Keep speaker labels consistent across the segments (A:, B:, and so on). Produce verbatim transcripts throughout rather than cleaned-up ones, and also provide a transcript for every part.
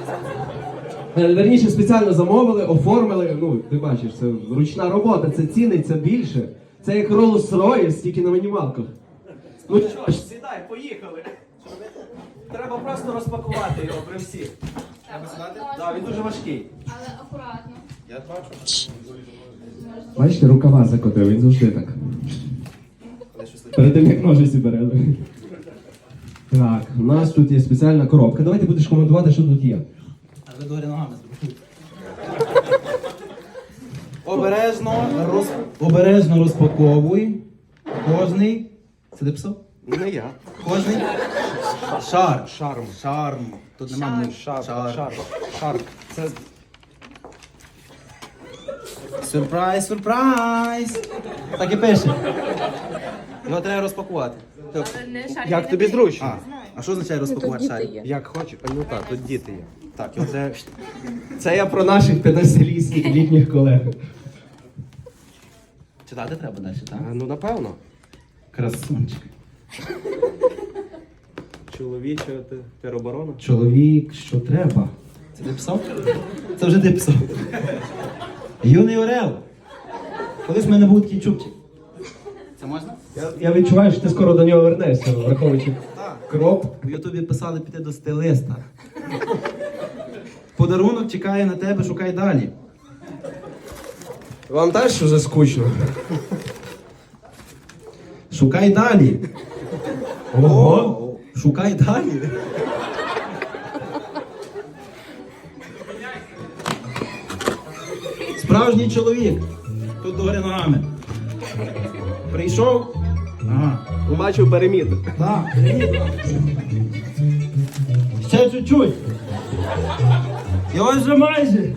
A: Верніше, спеціально замовили, оформили. Ну, ти бачиш, це ручна робота, це ціниться більше. Це як Rolls-Royce, тільки на мінімалках. Ну що ж, сідай, поїхали. Треба просто розпакувати його при всіх.
B: Треба сідати?
A: Так, він дуже важкий.
B: Але акуратно.
C: Я бачу.
A: Бачите, рукава закотив, він завжди так. Перед тим, як ножиці берели. Так, у нас тут є спеціальна коробка. Давай ти будеш коментувати, що тут є.
C: А ви догорі ногами зробили. Обережно, роз... Обережно розпаковуй. Кожний. Це ти писав?
A: Не я.
C: Кожний. Шар.
A: Шарм.
C: Шарм. Тут нема ну,
A: Шар.
C: шар.
A: Шар. Шар. Це...
C: Сюрприз, сюрприз. Так і пише. Його треба розпакувати. Тобто,
A: Як тобі зручно?
C: А, а що означає розпакувати шар?
A: Як хочеш. А, ну так, тут діти є. Так, і це... Це я про наших п'ятнадцятилітніх літніх колег.
C: Читати треба далі, так?
A: А, ну, напевно.
C: Красунчик.
A: Чоловіча тероборона.
C: Чоловік, що треба? Це ти писав? Це вже ти писав. Юний Орел. Колись в мене був такий чубчик. Це можна?
A: Я, я відчуваю, що ти скоро до нього вернешся, враховуючи кроп.
C: В Ютубі писали піти до стилиста. Подарунок чекає на тебе, шукай далі.
A: Вам теж вже скучно?
C: Шукай далі. Ого! Шукай далі. Справжній чоловік. Тут догори ногами. Прийшов. Ага.
A: Бачив переміт.
C: Так, привіт. Ще чуть-чуть. І ось вже майже.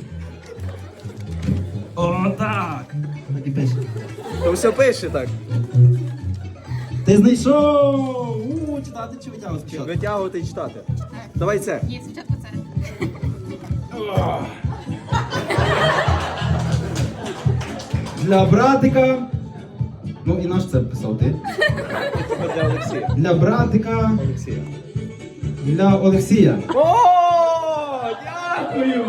C: О, так. Так і пише.
A: То все пише так.
C: Ти знайшов! У, читати чи витягувати спочатку?
A: Витягувати і читати. Давай це.
B: Ні, спочатку це.
C: Для братика. Ну і наш це писав ти.
A: Для Олексія.
C: Для братика.
A: Олексія.
C: Для Олексія.
A: О, дякую!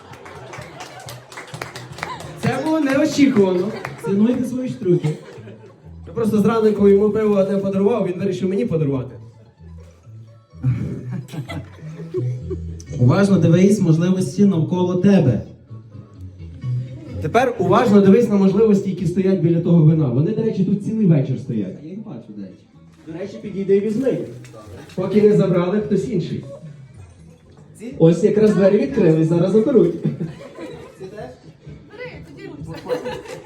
A: Це було неочікувано.
C: Цінуйте свої штруки.
A: Я просто зранку йому пиво одне подарував, він вирішив мені подарувати.
C: Уважно дивись можливості навколо тебе.
A: Тепер уважно дивись на можливості, які стоять біля того вина. Вони, до речі, тут цілий вечір стоять.
C: Я їх бачу, до речі.
A: До речі, підійди і візьми їх. Поки не забрали хтось інший. Ось якраз двері відкрились, зараз заберуть.
B: Бери, тоді руйся.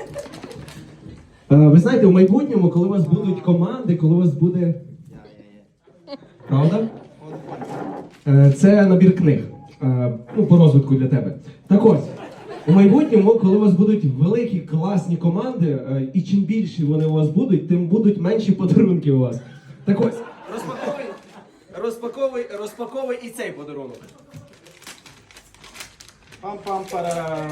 A: Е, Ви знаєте, в майбутньому, коли у вас будуть команди, коли у вас буде... Правда? Е, Це набір книг. Е, Ну, по розвитку для тебе. Так ось, у майбутньому, коли у вас будуть великі, класні команди, е, і чим більші вони у вас будуть, тим будуть менші подарунки у вас. Так ось, розпаковуй, розпаковуй, розпаковуй і цей подарунок.
C: Пам-пам-парам.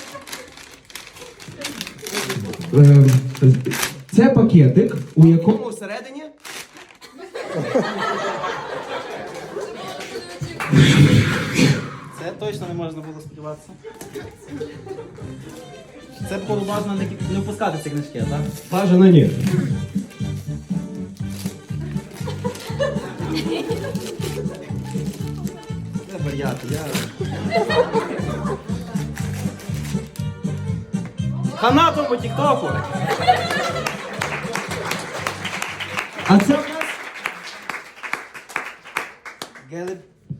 A: Е, Це пакетик, у якому всередині...
C: Це точно не можна було сподіватися. Це було важливо не, не впускати ці книжки, так?
A: Бажано ні.
C: Це варіати, я... Хана тому тік-току!
A: А це у нас...
C: Гелі...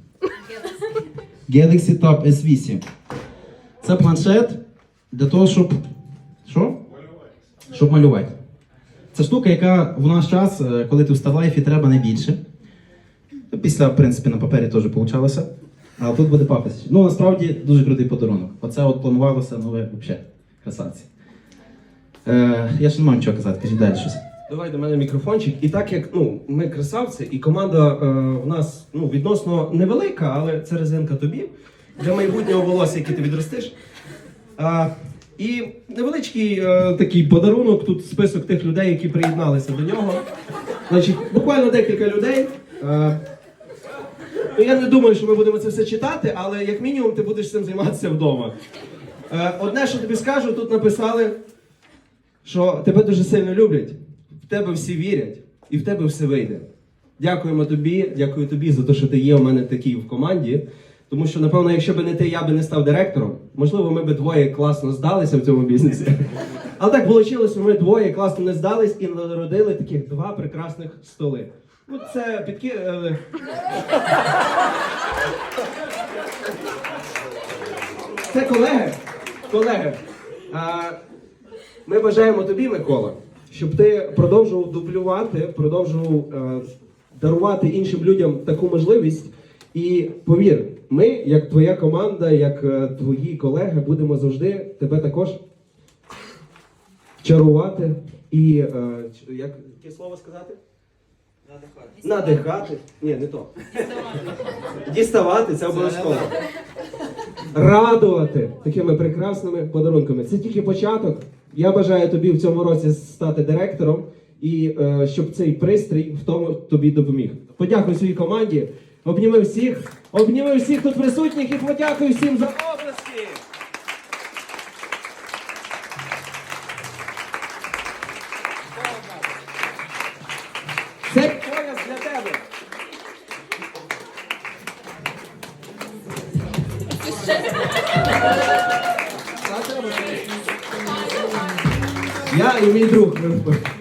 C: Galaxy Tab ес вісім. Це планшет для того, щоб... Що? Малювати. Щоб малювати. Це штука, яка в наш час, коли ти в Ставлайфі, треба найбільше. Після, в принципі, на папері теж вийшло. А тут буде папець. Ну, насправді, дуже крутий подарунок. Оце от планувалося, ну ви взагалі красавці. Е, я ще не маю нічого казати, кажіть далі щось.
A: Давай до мене мікрофончик. І так як ну, ми красавці, і команда е, в нас ну, відносно невелика, але це резинка тобі для майбутнього волосся, яке ти відростиш. Е, і невеличкий е, такий подарунок, тут список тих людей, які приєдналися до нього. Значить, буквально декілька людей. Е, Ну, я не думаю, що ми будемо це все читати, але як мінімум ти будеш цим займатися вдома. Е, Одне, що тобі скажу, тут написали, що тебе дуже сильно люблять, в тебе всі вірять і в тебе все вийде. Дякуємо тобі, дякую тобі за те, що ти є у мене такий в команді. Тому що, напевно, якщо б не ти, я би не став директором. Можливо, ми б двоє класно здалися в цьому бізнесі. Але так вийшло, ми двоє класно не здались і народили таких два прекрасних столи. Ну, це підки... е, Це колеги. Колеги. А, ми бажаємо тобі, Микола, щоб ти продовжував дублювати, продовжував е, дарувати іншим людям таку можливість. І повір, ми, як твоя команда, як е, твої колеги, будемо завжди тебе також чарувати і, е, ч- як яке слово сказати? Надихати. Надихати. Ні, не то. Діставати, це обов'язково. Радувати такими прекрасними подарунками. Це тільки початок. Я бажаю тобі в цьому році стати директором і е, щоб цей пристрій в тому тобі допоміг. Подякуй своїй команді, обніми всіх, обніми всіх тут присутніх і подякуй всім за обласки. Це пояс для тебе. Я і мій друг.